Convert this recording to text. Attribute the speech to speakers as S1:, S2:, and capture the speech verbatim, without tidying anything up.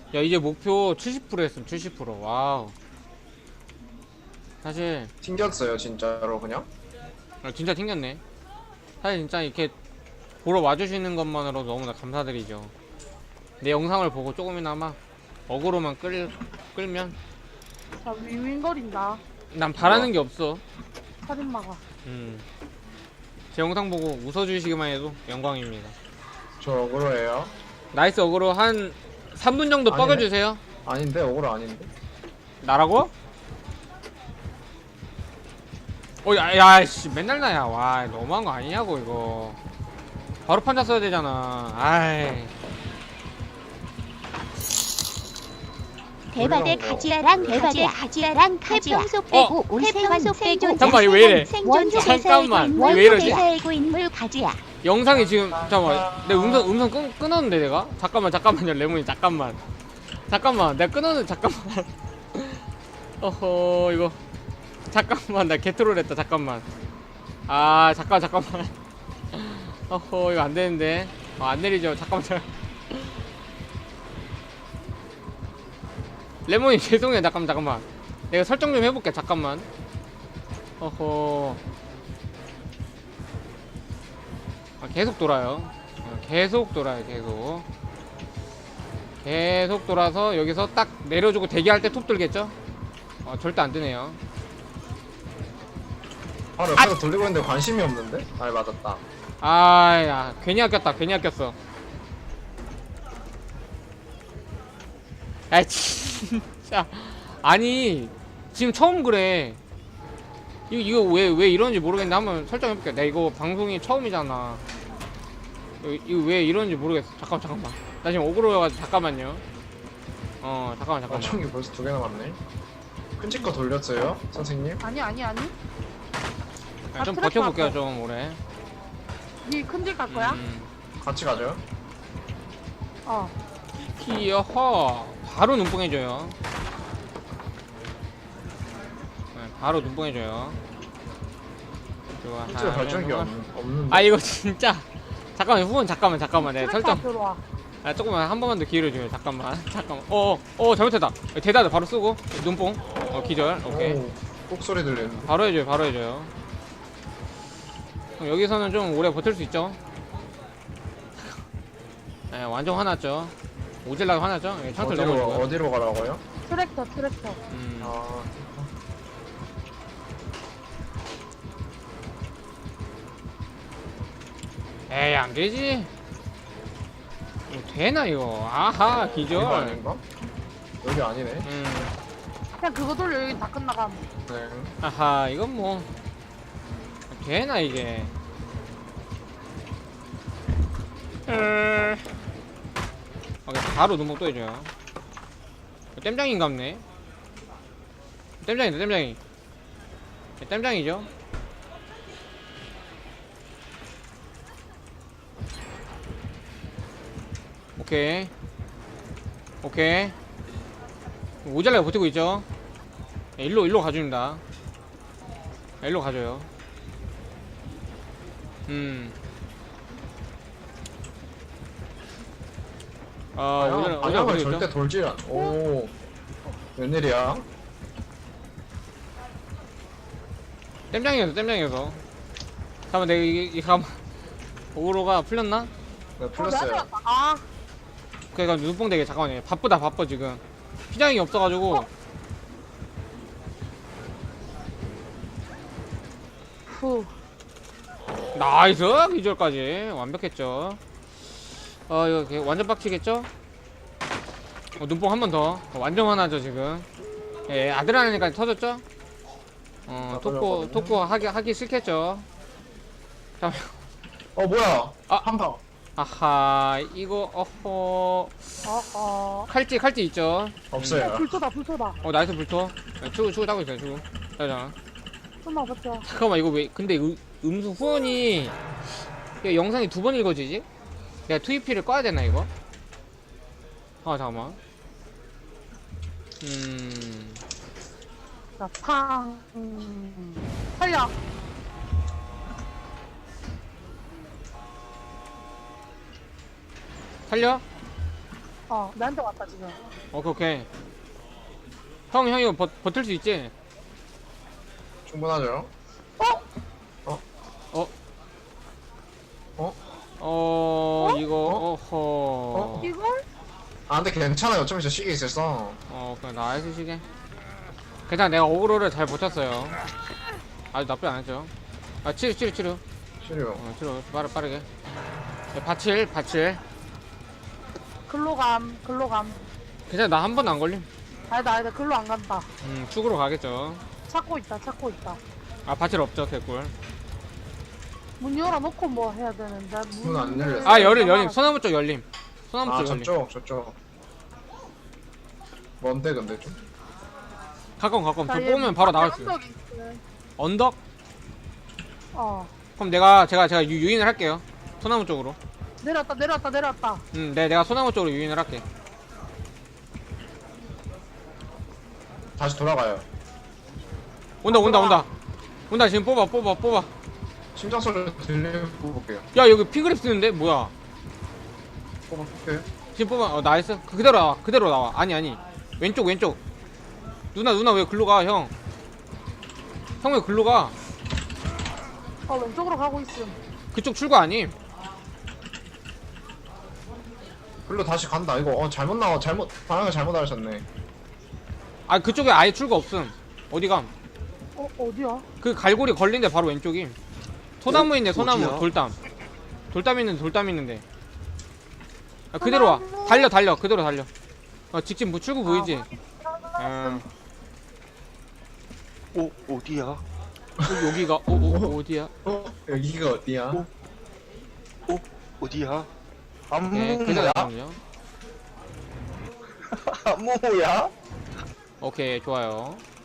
S1: 야 이제 목표 칠십 퍼센트 했음. 칠십 퍼센트. 와우. 사실
S2: 튕겼어요 진짜로 그냥.
S1: 아, 진짜 튕겼네. 사실 진짜 이렇게 보러 와주시는 것만으로도 너무나 감사드리죠. 내 영상을 보고 조금이나마 어그로만 끌, 끌면
S3: 자, 윙윙거린다.
S1: 난 바라는
S2: 우와.
S1: 게 없어.
S3: 살인마가.
S1: 음. 제 영상 보고 웃어주시기만 해도 영광입니다.
S2: 저 억울해요.
S1: 나이스 어그로 한 삼 분 정도
S2: 아니네.
S1: 뻐겨주세요.
S2: 아닌데 억울 아닌데.
S1: 나라고? 어, 야, 야, 씨, 맨날 나야. 와, 너무한 거 아니냐고, 이거. 바로 판자 써야 되잖아. 아이.
S4: 대박의 가지야랑 대박의 가지야랑 가지야 태평소 빼고 올 생존 생존
S1: 잠깐만, 이거 왜 이래?
S4: 생존
S1: 잠깐만,
S4: 인물
S1: 왜 이러지?
S4: 대세고 인물 가지야
S1: 영상이 지금, 잠깐만. 내 음성, 음성 끊, 끊었는데, 내가? 잠깐만, 잠깐만요, 레몬이, 잠깐만. 잠깐만, 내가 끊었는데, 잠깐만. 어허, 이거. 잠깐만, 나 개트롤 했다, 잠깐만. 아, 잠깐, 잠깐만. 어허, 이거 안 되는데. 어, 안 내리죠. 잠깐만, 잠깐. 레몬이 죄송해요. 잠깐만, 잠깐만. 내가 설정 좀 해볼게. 잠깐만. 어허. 아, 계속 돌아요. 어, 계속 돌아요, 계속. 계속 돌아서 여기서 딱 내려주고 대기할 때 톱 들겠죠? 어, 절대 안 뜨네요.
S2: 아 옆에서 돌리고 있는데 관심이 없는데? 아 맞았다.
S1: 아, 야, 괜히 아꼈다, 괜히 아꼈어. 야, 진짜. 아니, 지금 처음 그래. 이거, 이거 왜, 왜 이러는지 모르겠는데 한번 설정해볼게. 내가 이거 방송이 처음이잖아. 이거, 이거 왜 이러는지 모르겠어. 잠깐만, 잠깐만. 나 지금 오그로여가지고, 잠깐만요. 어, 잠깐만,
S2: 아
S1: 잠깐만.
S2: 총이 벌써 두 개 남았네. 큰집 거 돌렸어요 선생님?
S3: 아니, 아니, 아니.
S1: 야, 좀
S3: 아,
S1: 버텨볼게요,
S3: 트랙
S1: 좀 오래.
S3: 니 큰집 갈 거야?
S1: 음.
S2: 같이 가죠.
S3: 어.
S1: 히어허. 바로 눈뽕해줘요. 네, 바로 눈뽕해줘요. 좋아.
S2: 큰집에 발전기 없, 없는데.
S1: 아 이거 진짜 잠깐만 후원 잠깐만 잠깐만 내
S3: 트랙터
S1: 설정
S3: 앞으로 와.
S1: 아 조금만 한 번만 더 기회를 줘요 잠깐만 잠깐만 어어 어, 잘못했다 대다드 바로 쓰고 눈뽕 어 기절 오케이
S2: 오, 꼭 소리 들리는데.
S1: 바로 해줘요 바로 해줘요 그럼 여기서는 좀 오래 버틸 수 있죠. 네, 완전 화났죠. 오질라가 화났죠. 예, 창틀
S2: 어디로
S1: 넘어지고
S2: 어디로 가라고요?
S3: 트랙터, 트랙터.
S1: 음.
S2: 아
S1: 에이 안되지. 뭐 되나 이거. 아하
S2: 이거
S1: 기절.
S2: 아닌가? 여기 아니네.
S1: 음.
S3: 그냥 그거 돌려, 여기 다 끝나감.
S2: 네.
S1: 아하 이건 뭐 되나 이게. 음. 오케이 바로 눈목 또 해줘요. 땜장인갑네. 땜장이다 땜장이. 땜장이죠. 오케이 오케이 오잘라게 버티고 있죠. 네, 일로 일로 가줍니다. 네, 일로 가줘요. 음. 아
S2: 방향,
S1: 오잘라 오잘라
S2: 방향을
S1: 버티고
S2: 절대
S1: 있죠.
S2: 돌지 않. 오 웬일이야?
S1: 땜장이어서 땜장이어서. 잠깐만 내가 이게 이게 잠깐만 오로가 풀렸나?
S2: 네
S3: 어,
S2: 풀렸어요.
S3: 내가 들었다. 아,
S1: 그니까 눈뽕 되게 잠깐만요. 바쁘다 바빠 지금. 피장이 없어가지고.
S3: 후.
S1: 나이스 기절까지 완벽했죠. 어 이거 개- 완전 빡치겠죠? 어, 눈뽕 한 번 더. 어, 완전 화나죠 지금. 예 아드레날린까지 터졌죠? 어
S2: 다
S1: 토코
S2: 터졌거든요.
S1: 토코 하기 하기 싫겠죠. 잠깐.
S2: 어 뭐야?
S1: 아.
S2: 한 방.
S1: 아하 이거 어허
S3: 어, 어.
S1: 칼찌 칼찌 있죠.
S2: 없어요.
S3: 어, 불토다, 불토다.
S1: 어 나이스 불토. 네, 추구 추구 따고 있어요 추구. 자자.
S3: 좀만 버텨.
S1: 잠깐만 이거 왜 근데 음, 음수 후원이 이거 영상이 두 번 읽어지지? 내가 투이피를 꺼야 되나 이거? 아 잠깐만. 음
S3: 자, 팡. 음. 살려.
S1: 살려?
S3: 어, 나한테 왔다, 지금.
S1: 오케이 오케이. 형 형 이거 버, 버틸 수 있지?
S2: 충분하죠?
S1: 어?
S2: 어?
S1: 어 이거
S2: 어?
S1: 어허.
S3: 이걸?
S2: 아 근데 괜찮아요. 어차피 저 시계 있었어.
S1: 어 그냥 나이스 시계. 괜찮아 내가 어그로를 잘 버텼어요. 아주 나쁘지 않았죠. 아 치료 치료 치료.
S2: 치료.
S1: 어 치료 빠르 빠르게. 네, 바칠 바칠.
S3: 글로 감, 글로 감.
S1: 괜찮아 나 한 번도 안 걸림.
S3: 아니다, 아니다, 글로 안 간다.
S1: 음 축으로 가겠죠.
S3: 찾고 있다, 찾고 있다.
S1: 아 바칠 없죠 개꿀.
S3: 문 열어놓고 뭐 해야 되는데.
S2: 문안 열렸어.
S1: 아 열림 열림 소나무 쪽 열림. 소나무
S2: 아
S1: 쪽 열림.
S2: 저쪽 저쪽. 뭔데 근데 좀?
S1: 가까운 가까운. 저
S3: 자, 얘
S1: 뽑으면 바로 나갈 수 있어.
S3: 언덕이 있어.
S1: 언덕?
S3: 어.
S1: 그럼 내가 제가 제가 유, 유인을 할게요. 소나무 쪽으로.
S3: 내렸다, 내렸다, 내렸다.
S1: 음, 네 내가 소나무 쪽으로 유인을 할게.
S2: 다시 돌아가요.
S1: 온다 온다 온다. 온다 지금 뽑아 뽑아 뽑아.
S2: 심장 소리 들리고 볼게요.
S1: 야 여기 피그립 쓰는데 뭐야?
S2: 뽑아볼게요.
S1: 지금 뽑아. 어 나이스. 그대로 나와. 그대로 나와. 아니 아니. 왼쪽 왼쪽. 누나 누나 왜 글로 가 형? 형 왜 글로 가?
S3: 어, 왼쪽으로 가고 있음.
S1: 그쪽 출구 아님?
S2: 글로 다시 간다. 이거 어 잘못 나와. 잘못 방향을 잘못 알으셨네.
S1: 아 그쪽에 아예 출구 없음. 어디 감?
S3: 어, 어디야?
S1: 그 갈고리 걸린데 바로 왼쪽임. 소나무 있네 소나무.
S5: 어디야?
S1: 돌담. 돌담 있는데 돌담 있는데. 아, 그대로 와. 달려 달려. 그대로 달려. 어 직진 뭐 출구 보이지? 음.
S5: 오 어디야?
S1: 어, 여기가 어, 어 어디야?
S2: 어 여기가 어디야?
S5: 어? 오 어디야?
S1: 네, 그대로
S5: 안무야?
S1: 나오죠.
S5: 안무야?
S1: 오케이 좋아요.